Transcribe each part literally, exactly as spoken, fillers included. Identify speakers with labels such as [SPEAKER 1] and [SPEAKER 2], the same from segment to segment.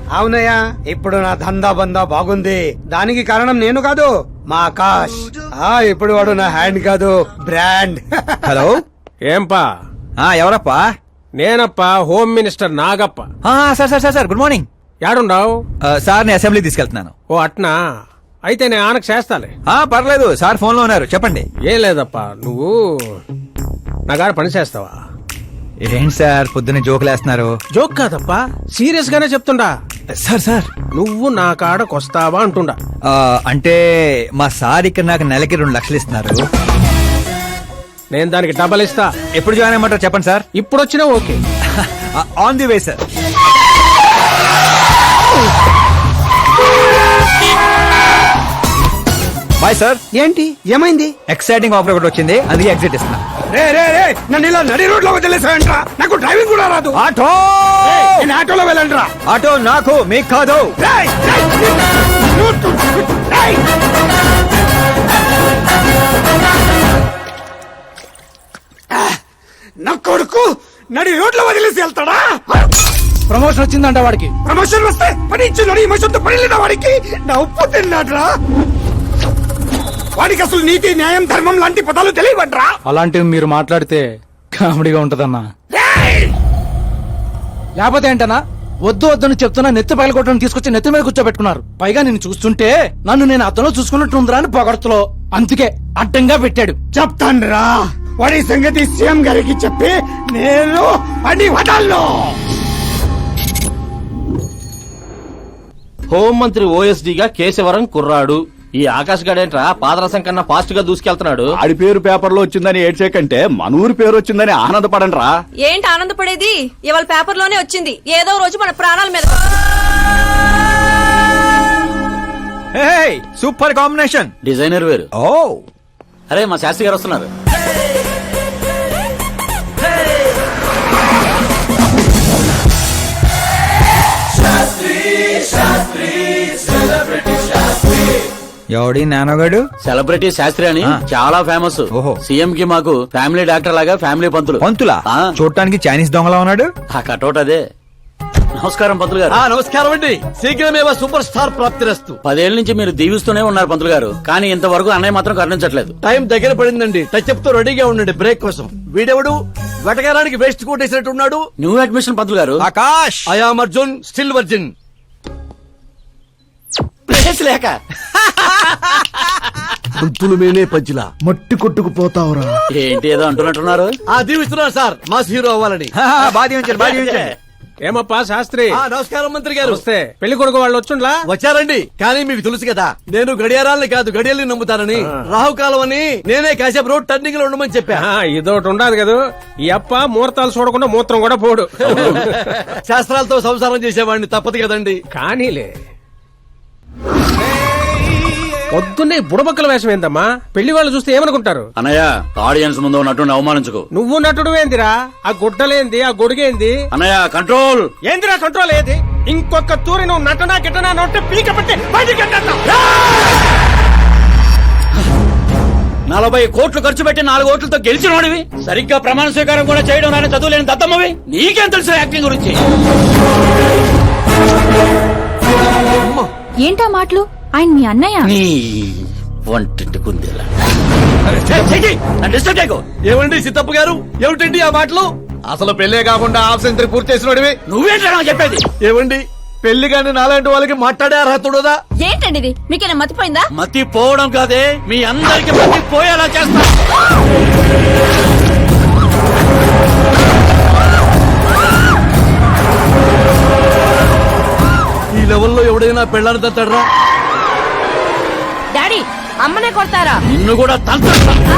[SPEAKER 1] అవునయ్యా, ఇప్పుడు నా దందా బందా బాగుంది. దానికి కారణం నేను కాదు, మా ఆకాష్. ఆ ఇప్పుడు వాడు నా హ్యాండ్ కాదు, బ్రాండ్.
[SPEAKER 2] హలో,
[SPEAKER 3] ఏంపా?
[SPEAKER 2] ఎవరప్పా?
[SPEAKER 3] నేనప్పా, home minister Nagappa.
[SPEAKER 2] Sir sir sir sir good morning.
[SPEAKER 3] యాడుండావు?
[SPEAKER 2] సార్ ని అసెంబ్లీ తీసుకెళ్తున్నాను.
[SPEAKER 3] ఓ అట్నా, అయితే నేను ఆనకు చేస్తాలే.
[SPEAKER 2] పర్లేదు సార్, ఫోన్ లో ఉన్నారు, చెప్పండి.
[SPEAKER 3] ఏం లేదప్పా, నువ్వు నా గారు పని చేస్తావా?
[SPEAKER 2] ఏంటి సార్ పొద్దున్న జోకులేస్తున్నారు?
[SPEAKER 3] జోక్ కాదప్పా, సీరియస్ గానే చెప్తుండా.
[SPEAKER 2] సార్ సార్
[SPEAKER 3] నువ్వు నా కాడకొస్తావా అంటుండా.
[SPEAKER 2] అంటే మా సార్ ఇక్కడ నాకు నెలకి రెండు లక్షలు ఇస్తున్నారు.
[SPEAKER 3] నేను దానికి డబల్ ఇస్తా.
[SPEAKER 2] ఎప్పుడు జాయిన్ అయ్యమంటారు చెప్పండి సార్.
[SPEAKER 3] ఇప్పుడు వచ్చినా okay.
[SPEAKER 2] On the way sir. Bye sir.
[SPEAKER 1] ఏంటి ఏమైంది?
[SPEAKER 2] ఎక్సైటింగ్ ఆఫర్ ఒకటి వచ్చింది, అందుకే ఎగ్జిట్ ఇస్తున్నా.
[SPEAKER 1] రే రే రే నన్ను ఇలా నడి రోడ్ లో వదిలేసాయంట్రా, నాకు డ్రైవింగ్ కూడా రాదు.
[SPEAKER 2] ఆటో,
[SPEAKER 1] నేను ఆటోలో వెళ్ళండిరా.
[SPEAKER 2] ఆటో నాకు, మీకు కాదు.
[SPEAKER 1] రేయ్, రేయ్, రేయ్. నా కొడుకు నడి రోడ్లో వదిలేసి వెళ్తాడా?
[SPEAKER 4] ప్రమోషన్ వచ్చిందంట వాడికి.
[SPEAKER 1] ప్రమోషన్ వస్తే పని ఇచ్చిన ఇమోషన్తో పని లేదా వాడికి? నా ఉప్పు తిన్నాడ్రా. వాడికి అసలు నీతి న్యాయం ధర్మం లాంటి పదాలు తెలియవట్రా.
[SPEAKER 4] అలాంటివి మీరు మాట్లాడితే కామెడీగా ఉంటదన్నా. లేకపోతే ఏంటన్నా, వద్దు వద్దని చెప్తున్నా నెత్తి పగలగొట్టడం తీసుకొచ్చి నెత్తి మీద కూర్చోబెట్టుకున్నారు. పైగా నేను చూస్తుంటే నన్ను నేను అతను చూసుకున్నట్టుందిరా అని పొగడతలో, అందుకే అడ్డంగా పెట్టాడు.
[SPEAKER 1] చెప్తాన్రా, వాడి సంగతి సీఎం గారికి చెప్పి నేను పని వదలను.
[SPEAKER 5] హోంమంత్రి ఓఎస్డీగా కేశవరం కుర్రాడు. ఈ ఆకాశ్ గడేంట్రా పాదరసం కన్నా ఫాస్ట్ గా దూసుకెళ్తున్నాడు.
[SPEAKER 6] ఆడి పేరు పేపర్ లో వచ్చిందని ఏడ్చేకంటే మన ఊరి పేరు వచ్చిందని ఆనందపడండి రా.
[SPEAKER 7] ఏంటి ఆనందపడేది? ఇవాళ పేపర్ లోనే వచ్చింది. ఏదో రోజు మన ప్రాణాల మీద.
[SPEAKER 2] Super combination.
[SPEAKER 5] డిజైనర్ వేరు.
[SPEAKER 2] ఓ
[SPEAKER 5] అరే మా శాస్త్రి గారు వస్తున్నారు.
[SPEAKER 2] ఎవడి నానోగాడు?
[SPEAKER 5] సెలబ్రిటీ శాస్త్రి అని చాలా ఫేమస్.
[SPEAKER 2] ఓహో.
[SPEAKER 5] సీఎం కి మాకు ఫ్యామిలీ డాక్టర్ లాగా ఫ్యామిలీ పంతులు.
[SPEAKER 2] పంతులా?
[SPEAKER 5] ఆ.
[SPEAKER 2] చూడటానికి చైనీస్ దొంగలా ఉన్నాడు.
[SPEAKER 5] ఆ కటౌట్ అదే. నమస్కారం పంతులు గారు.
[SPEAKER 8] నమస్కారం అండి. శీఘ్రమేవ సూపర్ స్టార్ ప్రాప్తిరస్తు.
[SPEAKER 5] పదేళ్ల నుంచి మీరు దీవిస్తూనే ఉన్నారు పంతులు గారు, కానీ ఇంతవరకు అన్నయ్య మాత్రం కరుణించట్లేదు.
[SPEAKER 8] టైం దగ్గర పడిందండి. టచ్ అప్ తో రెడీగా ఉండండి బ్రేక్ కోసం. వీడెవడు వెటకారానికి వేస్ట్ కోట్ వేసినట్టు ఉన్నాడు.
[SPEAKER 5] న్యూ అడ్మిషన్ పంతులు గారు.
[SPEAKER 2] Akash.
[SPEAKER 8] I am Arjun, still virgin.
[SPEAKER 5] Place లేక
[SPEAKER 8] పంతులు మేనే పంచులా మట్టి కొట్టుకుపోతావురా.
[SPEAKER 5] ఏంటి ఏదో అంటున్నట్టున్నారు.
[SPEAKER 8] ఆ దీవిస్తున్నారు సార్, మాస్ హీరో అవ్వాలని.
[SPEAKER 2] బాధ ఉంచారు, బాధ ఉంచారు.
[SPEAKER 3] ఏమప్పా శాస్త్రి?
[SPEAKER 8] ఆ, నమస్కారం మంత్రి గారు.
[SPEAKER 3] వస్తే పెళ్లి కొడుకు వాళ్ళు వచ్చుండ్లా?
[SPEAKER 8] వచ్చారండి, కానీ మీకు తెలుసు కదా నేను గడియారాలని కాదు గడియల్ని నమ్ముతానని. రాహుకాలం అని నేనే కాసేపు రోడ్ టర్నింగ్ లో ఉండమని చెప్పా.
[SPEAKER 3] ఆ, ఇదోటి ఉండదు కదా, ఈ అప్ప ముహూర్తాలు చూడకుండా మూత్రం కూడా పోడు.
[SPEAKER 8] శాస్త్రాలతో సంసారం చేసేవాడిని, తప్పదు కదండి.
[SPEAKER 3] కానీలే. పొద్దున్నే బుడబక్కల వేషం ఏందమ్మా? పెళ్లి వాళ్ళు చూస్తే ఏమనుకుంటారు?
[SPEAKER 5] అన్నయ్య, ఆడియన్స్ ముందు నటుని అవమానించుకో.
[SPEAKER 3] నువ్వు నటుడు ఏందిరా? ఆ గుడ్డలేంది, ఆ గొడుగేంది?
[SPEAKER 5] అన్నయ్య కంట్రోల్.
[SPEAKER 3] ఏందిరా కంట్రోల్ ఏది? ఇంకొక తూరి నువ్వు నటనా గిట్టనా నొట్టే పీక పట్టి బయటికి గెంటేస్తా.
[SPEAKER 5] నలభై కోట్లు ఖర్చు పెట్టి నాలుగు ఓట్లతో గెలిచినోడివి, సరిగ్గా ప్రమాణ స్వీకారం కూడా చేయడం రాని చదువు లేని దత్తమ్మవి, నీకేం తెలుసు యాక్టింగ్ గురించి?
[SPEAKER 7] ఏంటా మాటలు? ఆయన మీ అన్నయ్య.
[SPEAKER 5] నీ వంటింటి కుందేలా. డిస్టర్బ్ చేయకు.
[SPEAKER 8] ఏమండి సిద్ధప్ప గారు, ఏమిటండి ఆ మాటలు? అసలు పెళ్లే కాకుండా హాఫ్ సెంచరీ పూర్తి చేసినోడివి.
[SPEAKER 5] నువ్వేంటా నాకు చెప్పేది?
[SPEAKER 8] ఏమండి పెళ్లి కానీ నాలాంటి వాళ్ళకి మాట్లాడే అర్హత ఉండదా?
[SPEAKER 7] ఏంటండి ఇది? మీకేనా మతిపోయిందా?
[SPEAKER 5] మతి పోవడం కాదే, మీ అందరికి మతి పోయేలా చేస్తా.
[SPEAKER 8] ఈ లెవెల్లో ఎవడైనా పెళ్ళాన్ని తట్టడరా?
[SPEAKER 7] డాడీ, అమ్మనే కొడతారా?
[SPEAKER 5] నిన్ను కూడా తంత్ర.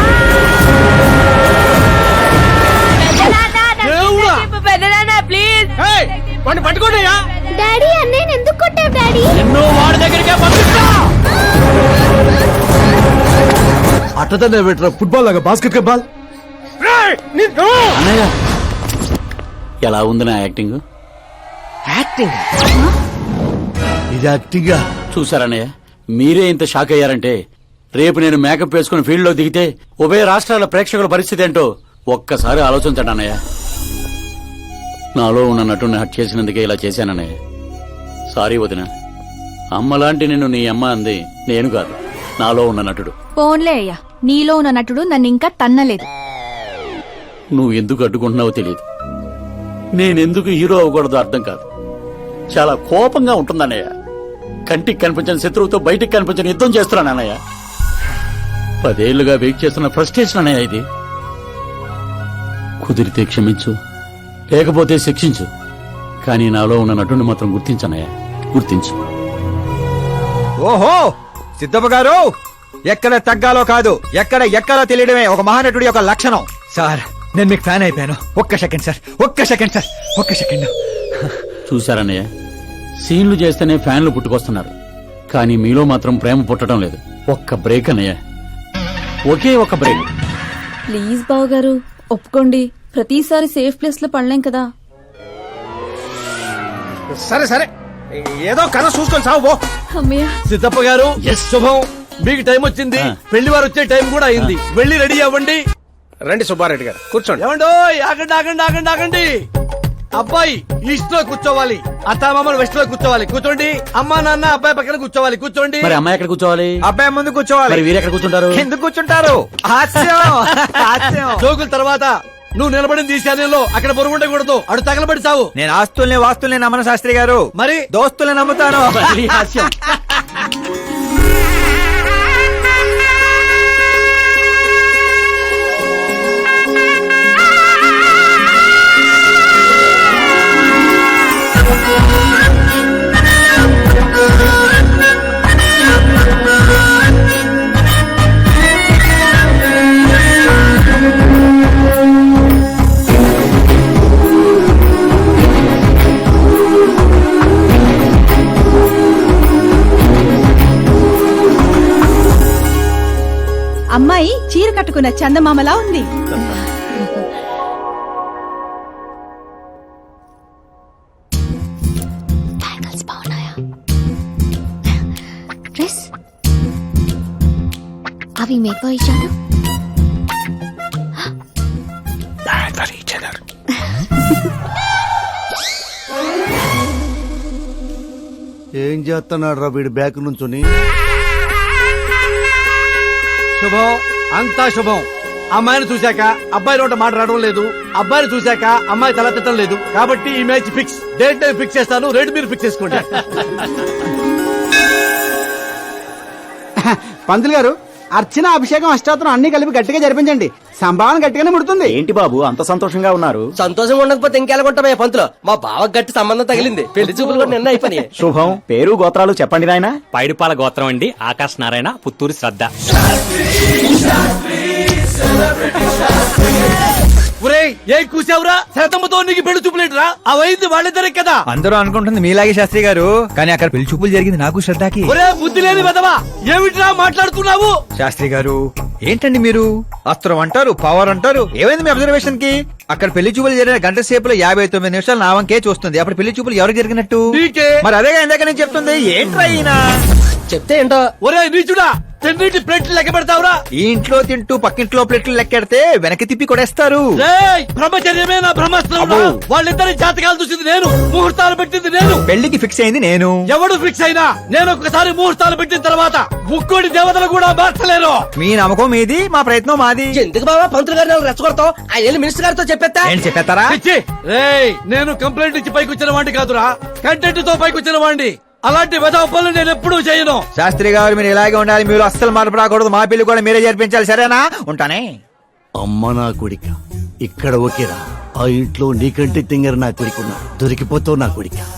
[SPEAKER 7] ప్లీజ్
[SPEAKER 3] వాడిని పట్టుకోండియా.
[SPEAKER 7] డాడీ, అన్నయ్య ఎందుకు కొట్టావు డాడీ?
[SPEAKER 5] నిన్ను వాడి దగ్గరికే పంపిస్తా.
[SPEAKER 8] అట్టదనే పెట్టరా, ఫుట్బాల్ లాగా బాస్కెట్ బాల్.
[SPEAKER 5] అన్నయ్య, ఎలా ఉంది నా యాక్టింగ్?
[SPEAKER 3] యాక్టింగ్
[SPEAKER 8] ఇది యాక్టింగ్.
[SPEAKER 5] చూసారన్నయ్య, మీరే ఇంత షాక్ అయ్యారంటే రేపు నేను మేకప్ వేసుకుని ఫీల్డ్ లో దిగితే ఉభయ రాష్ట్రాల ప్రేక్షకుల పరిస్థితి ఏంటో ఒక్కసారి ఆలోచించండి అన్నయ్య. నాలో ఉన్న నటుని హట్ చేసినందుకే ఇలా చేశానన్నయ్య. సారీ వదిన, అమ్మలాంటి నిన్ను నీ అమ్మ అంది నేను కాదు, నాలో ఉన్న నటుడు.
[SPEAKER 9] పోన్లే అయ్యా, నీలో ఉన్న నటుడు నన్ను ఇంకా తన్నలేదు.
[SPEAKER 5] నువ్వు ఎందుకు అడ్డుకుంటున్నావో తెలియదు. నేనెందుకు హీరో అవ్వకూడదో అర్థం కాదు. చాలా కోపంగా ఉంటుందన్నయ్య. కంటికి కనిపించని శత్రువుతో బయటికి కనిపించని యుద్ధం చేస్తున్నాను అన్నయ్య. పదేళ్లుగా వెయిట్ చేస్తున్న ఫ్రస్ట్రేషన్ అన్నయ్య ఇది. కుదిరితే క్షమించు, లేకపోతే శిక్షించు, కానీ నాలో ఉన్న నటుని మాత్రం గుర్తించనయ్య, గుర్తించు.
[SPEAKER 2] ఓహో సిద్ధప్ప గారు, ఎక్కడ తగ్గాలో కాదు, ఎక్కడ ఎక్కాలో తెలియడమే ఒక మహానటుడి యొక్క లక్షణం. సార్ నేను మీకు ఫ్యాన్ అయిపోయాను. ఒక్క సెకండ్ సార్, ఒక్క సెకండ్ సార్, ఒక్క సెకండ్.
[SPEAKER 5] చూశారన్నయ్య, సీన్లు చేస్తేనే ఫ్యాన్లు పుట్టుకొస్తున్నారు, కానీ మీలో మాత్రం ప్రేమ పుట్టడం లేదు. ఒక్క బ్రేక్ అన్నయ్య, ఒకే ఒక బ్రేక్.
[SPEAKER 7] ప్లీజ్ బావగారు ఒప్పుకోండి, ప్రతిసారి సేఫ్ ప్లేస్ లో పడలేం కదా.
[SPEAKER 3] సరే సరే, ఏదో కథ చూసుకొని సాగు పో.
[SPEAKER 7] అమ్మయ్య,
[SPEAKER 8] సిద్ధప్ప గారు శుభం, మీకు టైం వచ్చింది.
[SPEAKER 5] ఆ.
[SPEAKER 8] పెళ్లి వారు వచ్చే టైం కూడా అయింది. వెళ్ళి రెడీ అవ్వండి.
[SPEAKER 3] రండి సుబ్బారెడ్డి గారు, కూర్చోండి.
[SPEAKER 8] ఏమండో ఆగండి ఆగండి ఆగండి ఆగండి. అబ్బాయి ఈస్ట్ లో కూర్చోవాలి, అత్తామామలు వెస్ట్ లో కూర్చోవాలి. కూర్చోండి. అమ్మా నాన్న అబ్బాయి పక్కన కూర్చోవాలి. కూర్చోండి.
[SPEAKER 5] మరి అమ్మాయి ఎక్కడ కూర్చోవాలి?
[SPEAKER 2] అబ్బాయి ముందు కూర్చోవాలి.
[SPEAKER 5] మరి వీరు ఎక్కడ కూర్చుంటారు?
[SPEAKER 2] ఎందుకు కూర్చుంటారు? హాస్యం హాస్యం.
[SPEAKER 8] జోకుల తర్వాత నువ్వు నిలబడింది ఈ శానంలో, అక్కడ బరువు ఉండకూడదు. అడు తగలబడి సావు.
[SPEAKER 2] నేను ఆస్తుల్ని వాస్తుల్ని నమ్మను శాస్త్రి గారు,
[SPEAKER 8] మరి
[SPEAKER 2] దోస్తుల్ని నమ్ముతాను.
[SPEAKER 5] మళ్ళీ హాస్యం.
[SPEAKER 9] అమ్మాయి చీర కట్టుకున్న చందమామలా ఉంది.
[SPEAKER 10] డ్రెస్ అవి మేకో ఇచ్చాను.
[SPEAKER 11] ఏం చేస్తున్నాడు రా వీడి బ్యాక్ నుంచుని?
[SPEAKER 8] శుభం, అంతా శుభం. అమ్మాయిని చూశాక అబ్బాయి నోట మాట రావడం లేదు, అబ్బాయిని చూశాక అమ్మాయి తల తిట్టడం లేదు. కాబట్టి ఈ మ్యాచ్ ఫిక్స్. డేట్ నేను ఫిక్స్ చేస్తాను, రేట్ మీరు ఫిక్స్ చేసుకోండి.
[SPEAKER 4] పంతులు గారు, అర్చన అభిషేకం అష్టాత్రం అన్ని కలిపి గట్టిగా జరిపించండి. సంభావన గట్టిగానే ముడుతుంది.
[SPEAKER 6] ఏంటి బాబు అంత సంతోషంగా ఉన్నారు?
[SPEAKER 3] సంతోషంగా ఉండకపోతే ఇంకెలాగుంటామయ్యా పంతులు. మా బావ గట్టి సంబంధం తగిలింది, పెళ్లి చూపులు కూడా నిన్న అయిపోయి.
[SPEAKER 6] శుభం, పేరు గోత్రాలు చెప్పండి నాయనా.
[SPEAKER 3] పైడిపాల గోత్రం అండి, ఆకాశ్ నారాయణ, పుత్తూరు శ్రద్ధ.
[SPEAKER 8] ఒరేయ్, ఏం కూసావురా? శతమ్మతో నీకు పెళ్లి చూపులేట్రా? అవైంది వాళ్ళిద్దరే కదా.
[SPEAKER 2] అందరూ అనుకుంటుంది మీలాగే శాస్త్రి గారు, కానీ అక్కడ పెళ్లి చూపులు జరిగింది నాకు శ్రద్ధకి.
[SPEAKER 8] ఒరే బుద్ధి లేని వెదవా, ఏమిట్రా మాట్లాడుతున్నావు?
[SPEAKER 2] శాస్త్రి గారు ఏంటండి మీరు? అస్త్రం అంటారు, పవర్ అంటారు. ఏమైంది మీ అబ్జర్వేషన్ కి? అక్కడ పెళ్లి చూపులు జరిగిన గంట సేపులో యాభై తొమ్మిది నిమిషాలు నా వంకే చూస్తుంది. అప్పుడు పెళ్లి చూపులు ఎవరికి జరిగినట్టు?
[SPEAKER 8] నీకే.
[SPEAKER 2] మరి అదేగా ఇందాక నేను చెప్తుంది. ఏంట్రా ఈయన?
[SPEAKER 3] చెప్తే ఏంటో.
[SPEAKER 8] ఒరే నీచుడా, తిన్నింటి ప్లేట్లు లెక్క పెడతావురా?
[SPEAKER 2] ఈ ఇంట్లో తింటూ పక్కింట్లో ప్లేట్లు లెక్కెడితే వెనక్కి తిప్పి కొడేస్తారు.
[SPEAKER 8] రేయ్, బ్రహ్మచర్యమే నా బ్రహ్మాస్త్రం. వాళ్ళిద్దరి జాతకాలు చూసింది నేను, ముహూర్తాలు పెట్టింది నేను.
[SPEAKER 2] పెళ్లికి ఫిక్స్ అయింది నేను.
[SPEAKER 8] ఎవడు ఫిక్స్ అయినా నేను ఒక్కసారి ముహూర్తాలు పెట్టిన తర్వాత ముక్కోడి దేవతలు కూడా మార్చలేరు.
[SPEAKER 2] మీ నమ్మకం మీది, మా ప్రయత్నం మాది.
[SPEAKER 3] ఎందుకు బాబా పంతులు గారిని రెచ్చగొడతావు? ఆ వెళ్ళి మినిస్టర్ గారితో చెప్పేస్తా.
[SPEAKER 2] ఏంటి చెప్పేస్తారా?
[SPEAKER 8] పిచ్చి. రేయ్, నేను కంప్లైంట్ ఇచ్చి పైకి వచ్చిన వాడిని కాదురా, కంటెంట్ తో పైకి వచ్చిన వాడిని. అలాంటి వెధవ పనులు నేను ఎప్పుడూ చేయను.
[SPEAKER 2] శాస్త్రి గారు మీరు ఇలాగే ఉండాలి. మీరు అస్సలు మార్పు రాకూడదు. మా పెళ్లి కూడా మీరే జరిపించాలి, సరేనా? ఉంటానే.
[SPEAKER 11] అమ్మ నా కొడిక, ఇక్కడ ఓకేరా. ఆ ఇంట్లో నీకంటే తింగర నా కొడుకున్నా, దొరికిపోతావు నా కొడిక.